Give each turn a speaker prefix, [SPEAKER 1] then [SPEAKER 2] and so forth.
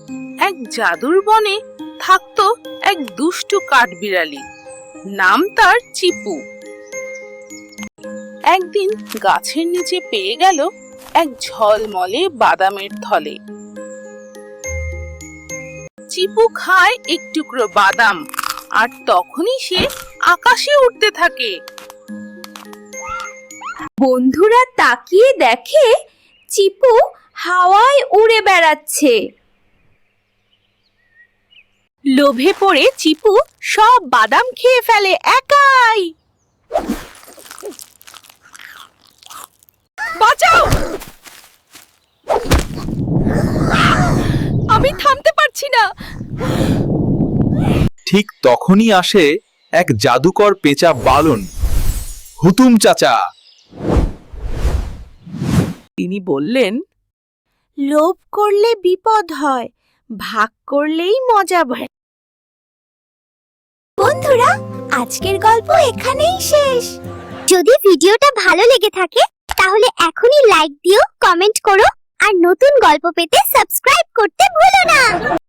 [SPEAKER 1] এক জাদুর বনে থাকতো এক দুষ্টু কাঠবিড়ালি, নাম তার চিপু। একদিন গাছের নিচে পেয়ে গেল এক ঝলমলে বাদামের থলে। চিপু খায় এক টুকরো বাদাম, আর তখনই সে আকাশে উঠতে থাকে।
[SPEAKER 2] বন্ধুরা তাকিয়ে দেখে চিপু হাওয়ায় উড়ে বেড়াচ্ছে। লোভে পড়ে চিপু সব বাদাম খেয়ে ফেলে একাই। বাঁচাও, আমি থামতে পারছি না।
[SPEAKER 3] ঠিক তখনই আসে এক জাদুকর পেঁচা বালন, হুতুম চাচা।
[SPEAKER 1] তিনি বললেন,
[SPEAKER 2] লোভ করলে বিপদ হয়, ভাগ করলেই মজা হয়। বন্ধুরা, আজকের গল্প এখানেই শেষ।
[SPEAKER 4] যদি ভিডিওটা ভালো লেগে থাকে তাহলে এখনই লাইক দিও, কমেন্ট করো আর নতুন গল্প পেতে সাবস্ক্রাইব করতে ভুলো না।